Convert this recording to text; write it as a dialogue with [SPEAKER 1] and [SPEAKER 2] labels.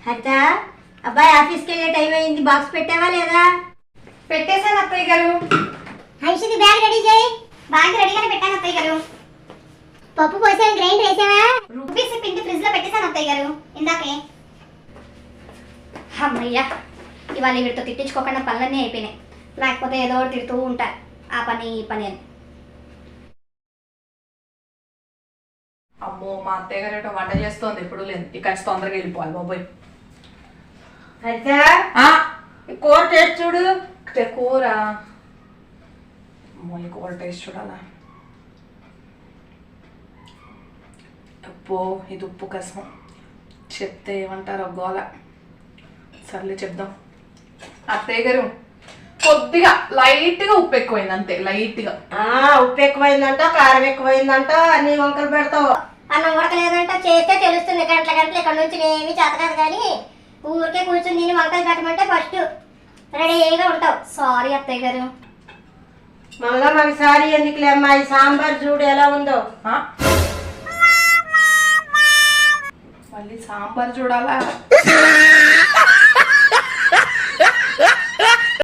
[SPEAKER 1] హరిత, అబ్బాయి ఆఫీస్కి వెళ్ళే టైం అయింది. బాక్స్ పెట్టావా లేదా?
[SPEAKER 2] పెట్టేశాను అత్తయ్య గారు.
[SPEAKER 1] హైషిది బ్యాగ్ రెడీ చేయి.
[SPEAKER 2] బ్యాగ్ రెడీగానే పెట్టాను అత్తయ్య గారు.
[SPEAKER 1] పప్పు పోసాను, గ్రైండ్ వేసావా?
[SPEAKER 2] రూపీస్ పిండి ఫ్రిడ్జ్ లో పెట్టేశాను అత్తయ్య గారు ఇందాకే. అమ్మయ్యా, ఇవాళ వీటితో తిట్టించుకోకుండా పనులన్నీ అయిపోయినాయి. లేకపోతే ఏదో ఒకటి తిడుతూ ఉంటా, ఆ పని ఈ పని అని.
[SPEAKER 3] అమ్మో, మా అత్తయ్య గారు ఏటో వంట చేస్తోంది. ఎప్పుడు లేదు, ఇక్కడ తొందరగా వెళ్ళిపోవాలి బాబోయ్.
[SPEAKER 1] హరిత, కూర టేస్ట్ చూడు.
[SPEAKER 3] కూర, అమ్మో ఈ కూర టేస్ట్ చూడాలా. అబ్బో, ఇది ఉప్పు కసం. చెప్తే ఏమంటారో గోల. సర్లే చెప్దాం. అత్తయ్య గారు, కొద్దిగా లైట్గా ఉప్పు ఎక్కువైంది, అంతే లైట్గా.
[SPEAKER 1] ఉప్పు ఎక్కువైందంట, కారం ఎక్కువైందంట, అన్ని వంకలు పెడతావు.
[SPEAKER 2] అన్నం ఉడకలేదంట, చేస్తే తెలుస్తుంది. గంటల గంటలు ఇక్కడ నుంచి ఏమీ చేత కాదు, కానీ ఊరికే కూర్చుని నేను వంకలు పెట్టమంటే ఫస్ట్ రెడీగా ఉంటావు. సారీ అత్తయ్య గారు.
[SPEAKER 1] మళ్ళా మాకు సారీ ఎందుకులే అమ్మా. ఈ సాంబార్ చూడు ఎలా ఉందో.
[SPEAKER 3] మళ్ళీ సాంబార్ చూడాలా?